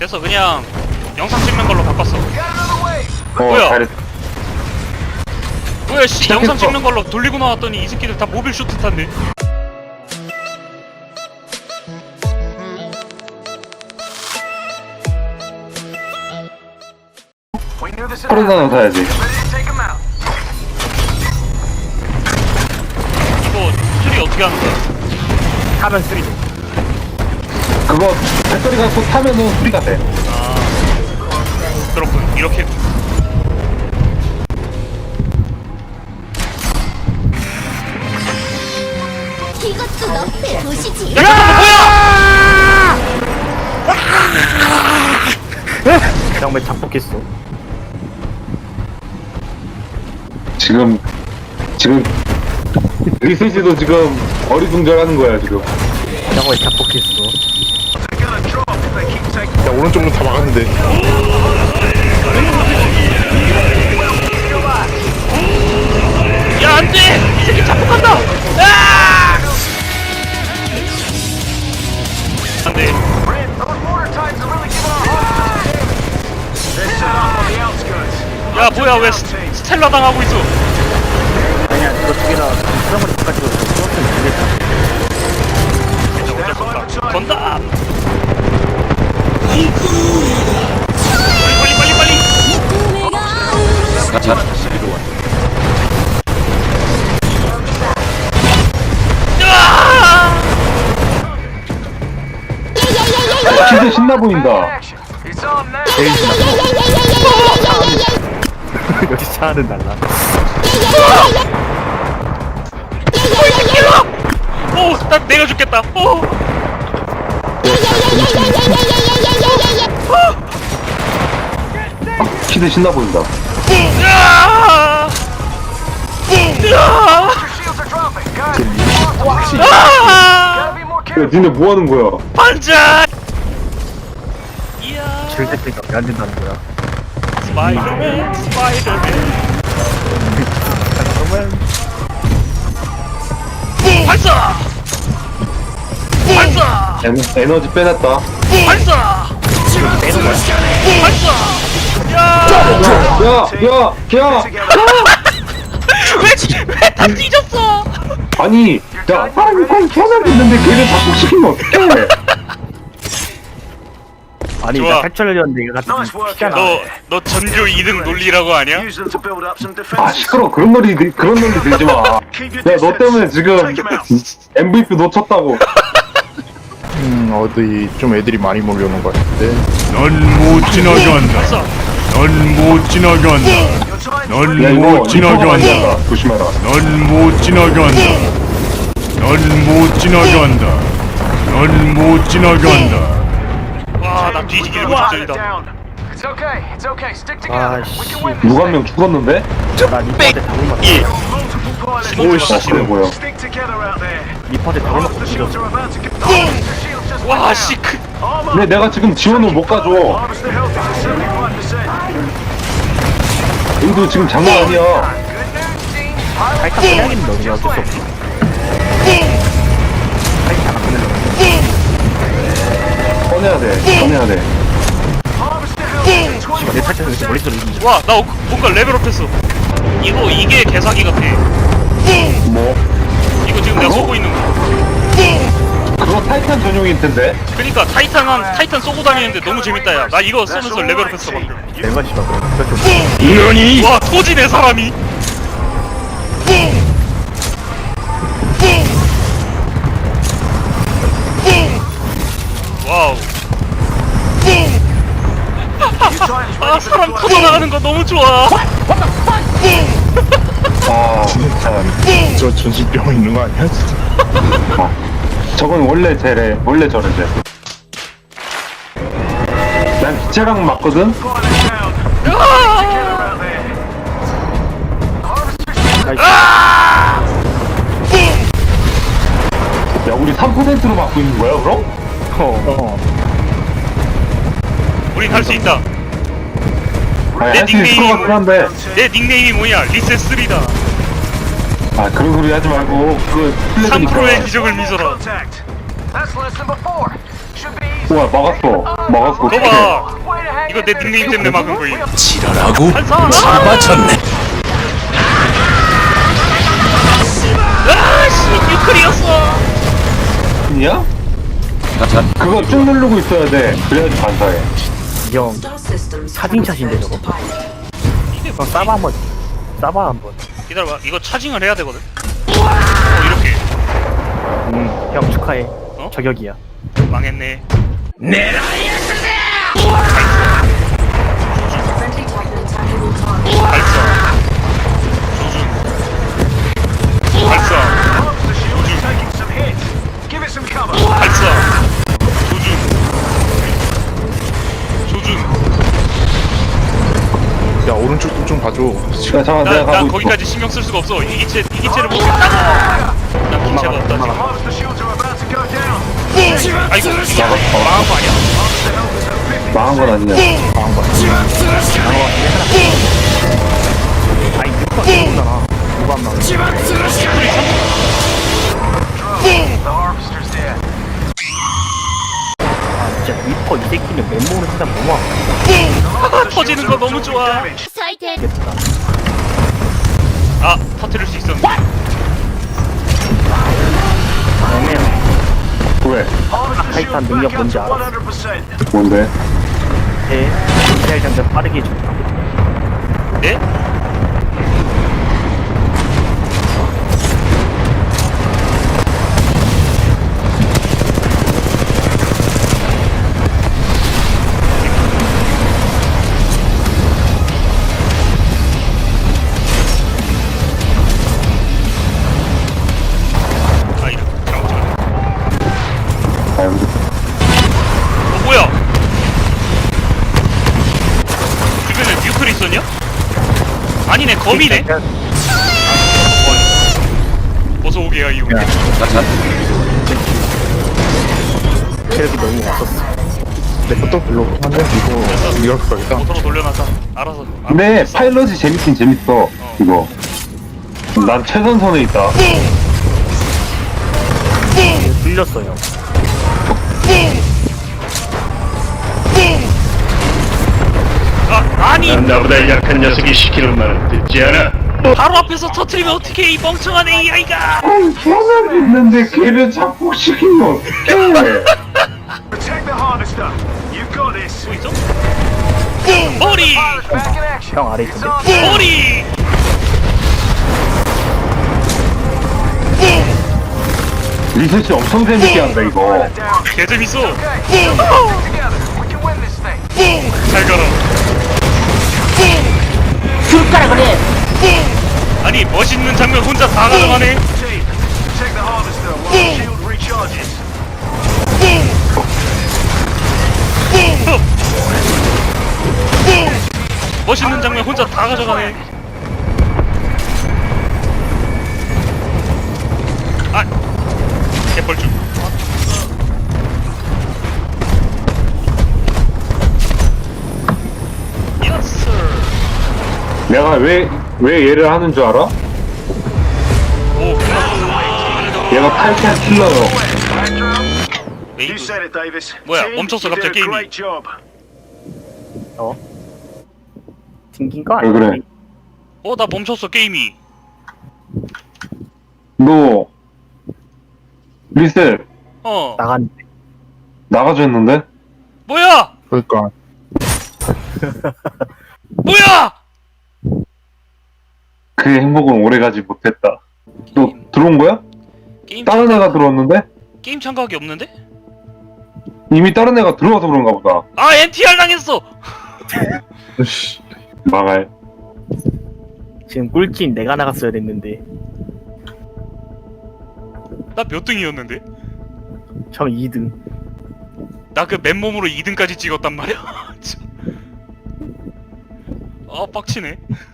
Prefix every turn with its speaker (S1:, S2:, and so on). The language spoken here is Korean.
S1: 됐어. 그냥 영상 찍는 걸로 바꿨어. 뭐야?
S2: 잘했.
S1: 뭐야 씨,
S2: 시작했어.
S1: 영상 찍는 걸로 돌리고 나왔더니 이 새끼들 다 모빌 슈트 탔네.
S2: 코로나 사야지.
S1: 이거 수리 어떻게 하는 거야?
S3: 하면 쓰리죠.
S2: 그거 배터리 갖고 타면은 소리가 돼.
S1: 아 그렇군. 이렇게
S4: 이것도 너의 도시지.
S1: 야 잠깐만 뭐야?
S3: 그냥 왜 잡혔겠어?
S2: 지금 리셋이도 지금 어리둥절하는 거야 지금.
S3: 그냥 왜 잡혔겠어? 야 오른쪽은 다 막았는데.
S1: 야 안돼! 이 새끼 자폭한다! 아! 안돼. 야 뭐야 왜 스텔라 당하고 있어?
S3: 아니야 그거 두 개나 사람을 바꿔주고 쏘았으면 되겠다.
S1: 어쩔 수 없다. 건다! 빨리!
S2: 진짜 신나 보인다.
S3: 역시 차는 달라.
S1: 오! 나 내가 죽겠다! 오!
S2: 키드 신나 보인다.
S1: 으아! 으아! 아!
S2: 야, 니네 뭐 하는 거야?
S1: 반짝! 이야.
S3: 질색대가 왜 안 된다는 거야?
S1: 스파이더맨.
S3: 잠깐만.
S1: 발사! 발사!
S2: 에너지 빼냈다.
S1: 발사! 발사! 야!
S2: 야!
S1: 왜다 뒤졌어?
S2: 아니, 야, 사람이 거의 태어나고 있는데 걔를 자폭시키면 어떡해?
S3: 아니
S1: 좋아.
S3: 나 탈출하려는데 이거 같은 피잖아.
S1: 너 전교 2등 논리라고 아냐?
S2: 아, 시끄러. 그런 논리 들지 마. 야, 너 때문에 지금 MVP 놓쳤다고.
S5: 어디 좀 애들이 많이 몰려오는 것 같은데.
S6: 넌 못 지나간다.
S1: 발사!
S6: 넌 못 지나간다.
S2: 야,
S6: 넌
S2: 이거
S6: 못 지나간다.
S2: 지나간다. 조심해라.
S6: 넌 못 지나간다. 넌 못 지나간다. 넌 못 지나간다.
S1: 와, 나 뒤지기를 무작정이다.
S3: 아씨.
S2: 누가 한 명 죽었는데?
S3: 나 리퍼한테 답을 맞.
S1: 오씨.
S2: 그래 뭐야?
S3: 리퍼한테 답을 맞고 죽였어.
S1: 와, 씨.
S2: 근데 내가 지금 지원을 못 가줘. 여기도 지금 장난 아니야.
S3: 살짝 빼야겠는데 그냥 어쩔 수 없어. 살짝 안 끝내려고.
S2: 꺼내야 돼.
S3: 내 탈출에서 이렇게 머릿속에 있는
S1: 와, 나 뭔가 레벨업했어. 이게 개사기 같아.
S2: 뭐?
S1: 이거 지금 내가 쏘고 있는 거.
S2: 그거 타이탄 전용일 텐데.
S1: 그니까 타이탄 쏘고 다니는데 너무 재밌다 야. 나 이거 쏘면서 레벨업했어 방금.
S3: 내가 씨발 그거 좀.
S1: 너니? 와, 토지네 사람이. 와우. 아, 사람 터져나가는 거 너무 좋아.
S2: 아, 진짜.
S5: 저 전신병 있는 거 아니야? 진짜?
S2: 저건 원래 저래. 난 기체랑 맞거든? 야, 우리 3%로 맞고 있는 거야, 그럼?
S1: 우린 할 수 있다.
S2: 아니, 할 수 있을 것 같긴 한데.
S1: 내 닉네임이 뭐냐? 리셋3다.
S2: 아, 그런 소리 하지 말고, 그, 플래그니까.
S1: 3%의 기적을 미소라.
S2: 우와 막았어 어떡해.
S1: 너봐 이거 내 닉네임 때문에 막은 거임.
S7: 지랄하고
S1: 반사.
S7: 잡아쳤네.
S1: 아씨 뉴클이었어.
S2: 냐? 그거 쭉 누르고 있어야 돼. 그래야지 반사해.
S3: 형 차징샷인데 저거. 그럼 싸봐 한번. 싸봐 한번.
S1: 기다려봐 이거 차징을 해야 되거든. 이렇게
S3: 형 축하해.
S1: 어?
S3: 저격이야.
S1: 망했네. 발사. 조준. 발사. 발사. 조준.
S5: 야 오른쪽도 좀 봐줘.
S2: 야 잠깐 내가
S1: 나
S2: 가고 있어.
S1: 거기까지 신경 쓸 수가 없어. 이기체를 못했다고. 난 기체가 없다 지금. 아이고 이거 망한 거 아니야?
S2: 망한 건 아니냐.
S3: 아니 6번 들어오잖아. 5번 막. 아 진짜 리퍼 이 새끼는 맨몸으로 진짜 너무 아프다.
S1: 터지는 거 너무 좋아.
S4: 설태
S1: 아 터뜨릴 수 있었는데.
S3: 애매해.
S2: 왜?
S3: 타이탄 능력 뭔지 알아?
S2: 뭔데?
S3: 미사일 장전 빠르게 해준다.
S1: 네? 아 이렇게 잘못 찍었네.
S2: 아유
S1: 뭐야? 주변에 뉴클이 있었냐? 아니네 거미네. 어서 오게야 이용.
S3: 체력이 너무 없었어.
S5: 내 것도 별로 없긴 한데 이거 이럴 거겠다.
S1: 모터로 돌려놔서 알아서.
S2: 근데 파일럿이 재밌긴 재밌어 이거. 난 최전선에 있다.
S3: 뚫렸어요.
S1: 아니
S6: 나보다 약한 녀석이 시키는 말은 듣지 않아.
S1: 바로 앞에서 터트리면 어떻게 이 멍청한 AI가?
S2: 아니 걔는 있는데 걔를 자꾸 시키면 어떡해.
S1: 또 있어? 머리!
S3: 형 아래 있던데.
S1: 머리!
S2: 리서치 엄청 재밌게 한다 이거.
S1: 개 재밌어. 잘 가라.
S4: 줄까라 그래.
S1: 아니 멋있는 장면 혼자 다 가져가네. 멋있는 장면 혼자 다 가져가네. 아, 개뻘쭘. Yes, sir.
S2: 내가 왜 얘를 하는 줄 알아?
S1: 오, 끝났어.
S2: 얘가 탈탈 킬러요.
S1: 웨이브. 뭐야, 멈췄어 갑자기 게임이.
S3: 어? 튕긴 거
S2: 왜
S3: 아니야?
S2: 그래?
S1: 나 멈췄어 게임이.
S2: 너 리셀
S3: 나간.
S2: 나가줘 했는데?
S1: 뭐야?
S5: 그러니까
S1: 뭐야?
S2: 그 행복은 오래가지 못했다. 너 들어온 거야?
S1: 게임
S2: 다른 애가 들어왔는데?
S1: 게임 참가하기 없는데?
S2: 이미 다른 애가 들어와서 그런가 보다.
S1: 아, NTR 당했어.
S2: 망할.
S3: 지금 꿀찐 내가 나갔어야 됐는데.
S1: 나 몇 등이었는데?
S3: 저 2등.
S1: 나 그 맨몸으로 2등까지 찍었단 말이야. 아, 빡치네.